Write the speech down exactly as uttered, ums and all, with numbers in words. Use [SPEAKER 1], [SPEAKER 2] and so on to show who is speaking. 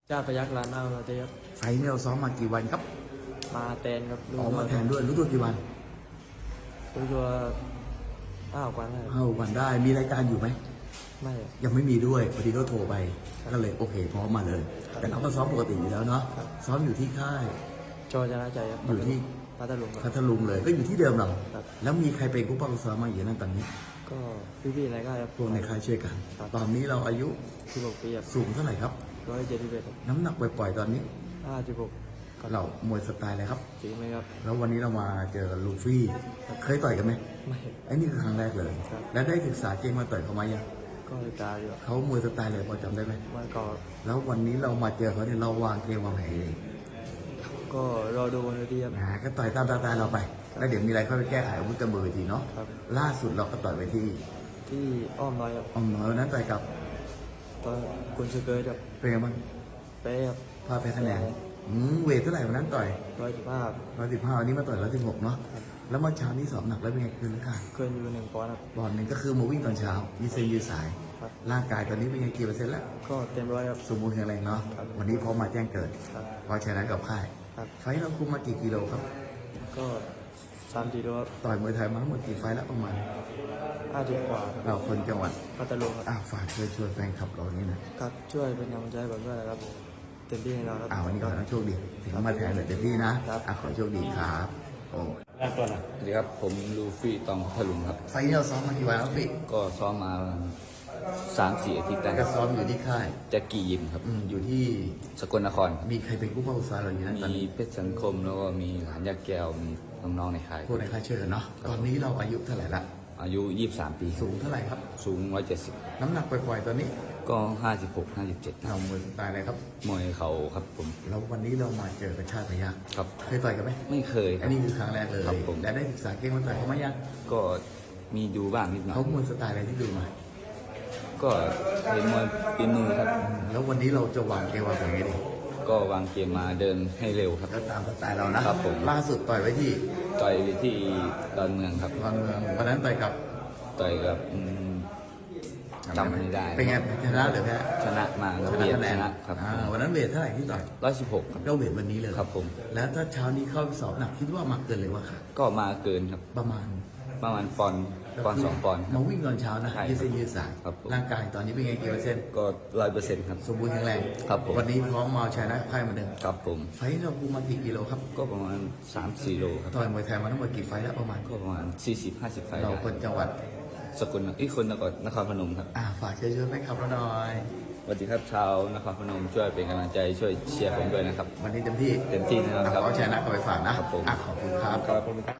[SPEAKER 1] เจ้าพยักร้านเอาเราจะยับ
[SPEAKER 2] ไฟล์นี้เราซ้อมมากี่วันครับ
[SPEAKER 1] มาแตนครับ
[SPEAKER 2] ออกมาแทนด้วยรู้ตัวกี่วัน
[SPEAKER 1] รู้ตัวอ้าวกว่าได้
[SPEAKER 2] ห้าวันได้มีรายการอยู่ไหม
[SPEAKER 1] ไม่
[SPEAKER 2] ยังไม่มีด้วยพอดีก็โทรไปก็เลยโอเคพร้อมมาเลย แต่เราก็ซ้อมปกติอยู่แล้วเนาะซ้อมอยู่ที่ค่าย
[SPEAKER 1] โจชนะใจครับ
[SPEAKER 2] อยู่ที่
[SPEAKER 1] พัทลุง
[SPEAKER 2] พัทลุงเลยก็อยู่ที่เดิมเราแล้วมีใครเป็นผู้ป้องซ้อมมาอยู่นั่นตอนนี้
[SPEAKER 1] ก็พี่ๆในค่ายครับ
[SPEAKER 2] พวกในค่ายช่วยกันตอนนี้เราอายุ
[SPEAKER 1] สิบหกปีครับ
[SPEAKER 2] สูงเท่าไหร่ครับ
[SPEAKER 1] ร้อยเจ็ดสิบเอ็ด
[SPEAKER 2] น้ำหนักปล่อยๆตอนนี้
[SPEAKER 1] ห้าสิบหก
[SPEAKER 2] เรามวยสไตล์อะไรครับ
[SPEAKER 1] จริงไหมครับ
[SPEAKER 2] แล้ววันนี้เรามาเจอลูฟี่เคยต่อยกันไหม
[SPEAKER 1] ไม่
[SPEAKER 2] ไอ้นี่คือครั้งแรกเลยแล้วได้ศึกษาเกมมาต่อยเขามายัง
[SPEAKER 1] ก็ตายอยู่
[SPEAKER 2] เขามวยสไตล์เลยพอจำได้ไหม
[SPEAKER 1] มันก็
[SPEAKER 2] แล้ววันนี้เรามาเจอเขาเนี่ยเราวางเกมวางแผนเอง
[SPEAKER 1] ก็รอดูวันนี้ครับ
[SPEAKER 2] นะก็ต่อยตามตาเราไปแล้วเดี๋ยวมีอะไรค่อยไปแก้ไขอาวุธกันบนเวทีเนาะล่าสุดเราก็ต่อยไปที่
[SPEAKER 1] ที่อ้อมน้อยครับ
[SPEAKER 2] อ้อมน้อยนั้นต่อยกับ
[SPEAKER 1] ตอนคุณเชเกอร์ครับ
[SPEAKER 2] เป็นไงบ้าง
[SPEAKER 1] เป๊ะครับ
[SPEAKER 2] พาแพ้คะแนนอืมเวทเท่าไหร่วันนั้นต่อย
[SPEAKER 1] ร้อยสิบห้า
[SPEAKER 2] ร้อยสิบห้าวันนี้มาต่อยร้อยสิบหกเนาะแล้วเมื่อเช้านี้สอบหนักแล้วเป็นไงคืนร่างกาย
[SPEAKER 1] เกินอยู่หนึ่งปอนด์ครับ
[SPEAKER 2] บอลหนึ่งก็คือมาวิ่งตอนเช้ายืดเส้นยืดสายร่างกายตอนนี้เป็นไงกี่เปอร์เซ็นต์แล้ว
[SPEAKER 1] ก็เต็มร้อยครับ
[SPEAKER 2] สมบูรณ์แข็งแรงเนาะวันนี้พร้อมมาแจ้งเกิดพอชนะกับค่ายไฟเราคุมมากี่กิโลครับ
[SPEAKER 1] ก็สามกิโลครับ
[SPEAKER 2] ต่อยมวยไทยมาทั้งหมดกี่ไฟแล้วประมาณ
[SPEAKER 1] ห้าสิบกว่า
[SPEAKER 2] เราคนจังหวัด
[SPEAKER 1] พัทลุงครับ
[SPEAKER 2] อ่าฝากช่วยช่วยแฟนคลับเรานี่นะครับ
[SPEAKER 1] ช่วยเป็นกำลังใจผมด้วยนะครับเต็มที่ให้เราครับ
[SPEAKER 2] อ่าวันนี้ขอให้โชคดีถึงมาแทนเลยเต็มที่นะอ่าขอโชคดีครับโอ้
[SPEAKER 3] สวัสดีครับผมลูฟี่ตองพัทลุงครับ
[SPEAKER 2] ไฟนี้เราซ้อมมากี่วันแล้วพี่
[SPEAKER 3] ก็ซ้อมมาสามสี่อาทิตย์แล้ว
[SPEAKER 2] ก็ซ้อมอยู่ที่ค่าย
[SPEAKER 3] จะกี่ยิมครับ
[SPEAKER 2] อยู่ที่
[SPEAKER 3] สกลนคร
[SPEAKER 2] มีใครเป็นผู้ป้องกันเราอยู่นั่นตอน
[SPEAKER 3] มี
[SPEAKER 2] นี้
[SPEAKER 3] เพชรสังคมแล้วก็มีหลานยาแก้วมีน้องๆในค่าย
[SPEAKER 2] พวกในค่ายเชื่อเนาะตอนนี้เราอายุเท่าไหร่ละ
[SPEAKER 3] อายุยี่สิบสามปี
[SPEAKER 2] สูงเท่าไหร่ครับ
[SPEAKER 3] สูงร้อยเจ็ดสิบ
[SPEAKER 2] น้ำหนักปล่อยๆตอนนี้
[SPEAKER 3] ก็ห้าสิบหกห้าสิบเจ็ด
[SPEAKER 2] เรามวยตายอะไรครับ
[SPEAKER 3] มวยเขาครับผม
[SPEAKER 2] แล้ววันนี้เรามาเจอกระชากพยัคฆ์
[SPEAKER 3] ครับ
[SPEAKER 2] เคยต่อยกันไหม
[SPEAKER 3] ไม่เคย
[SPEAKER 2] อันนี้คือครั้งแรกเลย
[SPEAKER 3] ครับผม
[SPEAKER 2] และได้ศึกษาเกมมาต่อยเขาไหมยัง
[SPEAKER 3] ก็มีดูบ้างนิดหน่อย
[SPEAKER 2] เขามวยสไตล์อะไรที่ดูมา
[SPEAKER 3] ก็เห็นมวยปีมือครับ
[SPEAKER 2] แล้ววันนี้เราจะวางเกมวางแผนไงดี
[SPEAKER 3] ก็วางเกมมาเดินให้เร็วครับ
[SPEAKER 2] ก็ตามสไตล์เรานะครับผมล่าสุดต่อยไว้ที่
[SPEAKER 3] ต่อยที่ดอนเมืองครับ
[SPEAKER 2] ดอนเมืองวันนั้นต่อยกับ
[SPEAKER 3] ต่อยกับจำไม่ได้
[SPEAKER 2] เป็นไงชนะหรือแพ้
[SPEAKER 3] ชนะมา
[SPEAKER 2] ชนะคะแนน
[SPEAKER 3] ครับ
[SPEAKER 2] วันนั้นเวทเท่าไหร่ที่ต่อย
[SPEAKER 3] ร้อยสิบหก
[SPEAKER 2] ก็เวทวันนี้เลย
[SPEAKER 3] ครับผม
[SPEAKER 2] แล้วถ้าเช้านี้เข้าสอบหนักคิดว่ามาเกินเลยว่าค่ะ
[SPEAKER 3] ก็มาเกินครับ
[SPEAKER 2] ประมาณ
[SPEAKER 3] ประมาณปอนปอนสองปอน
[SPEAKER 2] มาวิ่งตอนเช้านะยืดเส้นยืดสายร่างกายตอนนี้เป็นไงกี่เปอร์เซ็นต์
[SPEAKER 3] ก็ร้อยเปอร์เซ็นต์ครับ
[SPEAKER 2] สมบูรณ์แข็งแรง
[SPEAKER 3] ครับผม
[SPEAKER 2] วันนี้พร้อมมาชนะไพ่เหมือนเดิม
[SPEAKER 3] ครับผม
[SPEAKER 2] ไฟเราคุมมากี่กิโลครับ
[SPEAKER 3] ก็ประมาณสามสี่โลครับ
[SPEAKER 2] ต่อยมวยไทยมาทั้งหมดกี่ไฟแล้วประมาณ
[SPEAKER 3] ก็ประมาณสี่สิบห้าสิบไฟ
[SPEAKER 2] เราคนจังหวัด
[SPEAKER 3] สกลอีกคนนครนครพนมครับ
[SPEAKER 2] อ่าฝากเชิญชวนให้ขับเราหน่อย
[SPEAKER 3] สวัสดีครับชาวนครพนมช่วยเป็นกำลังใจช่วยเชียร์ผมด้วยนะครับ
[SPEAKER 2] วันนี้เต็มที่
[SPEAKER 3] เต็มที่นะครับ
[SPEAKER 2] ขอชนะก็ไปฝากนะครับ
[SPEAKER 3] ผม
[SPEAKER 2] ขอบคุณครับ